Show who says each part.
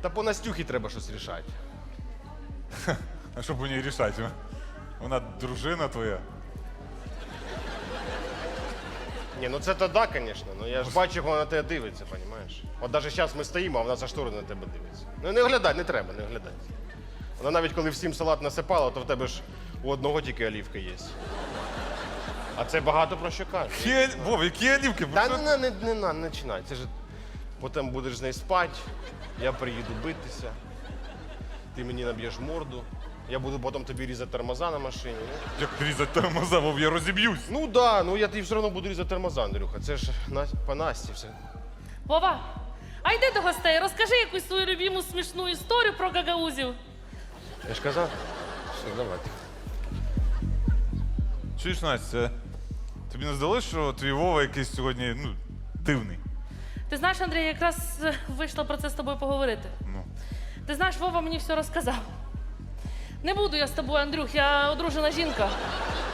Speaker 1: Та по Настюхі треба щось рішати.
Speaker 2: А що б у ній рішати? Вона дружина твоя.
Speaker 1: Ні, ну це то да, звісно. Ну я ж бачу, як вона на тебе дивиться, розумієш? От навіть зараз ми стоїмо, а вона за штори на тебе дивиться. Ну не оглядай, не треба, не оглядай. Вона навіть коли всім салат насипала, то в тебе ж у одного тільки олівка є. А це багато про що каже.
Speaker 2: Вов, які олівки?
Speaker 1: Та не починай. Це ж потім будеш з нею спати, я приїду битися, ти мені наб'єш морду, я буду потім тобі різати тормоза на машині.
Speaker 2: Як різати тормоза, Вов, я розіб'юсь.
Speaker 1: Ну да, ну я тобі все одно буду різати тормоза, Андрюха. Це ж по Насті все.
Speaker 3: Вова, а йди до гостей, розкажи якусь свою любиму смішну історію про гагаузів.
Speaker 1: Я ж казав? Все, давай.
Speaker 2: Чуєш, Настя, тобі не здалося, що твій Вова якийсь сьогодні, дивний?
Speaker 3: Ти знаєш, Андрій, я якраз вийшла про це з тобою поговорити.
Speaker 2: Ну.
Speaker 3: Ти знаєш, Вова мені все розказав. Не буду я з тобою, Андрюх, я одружена жінка.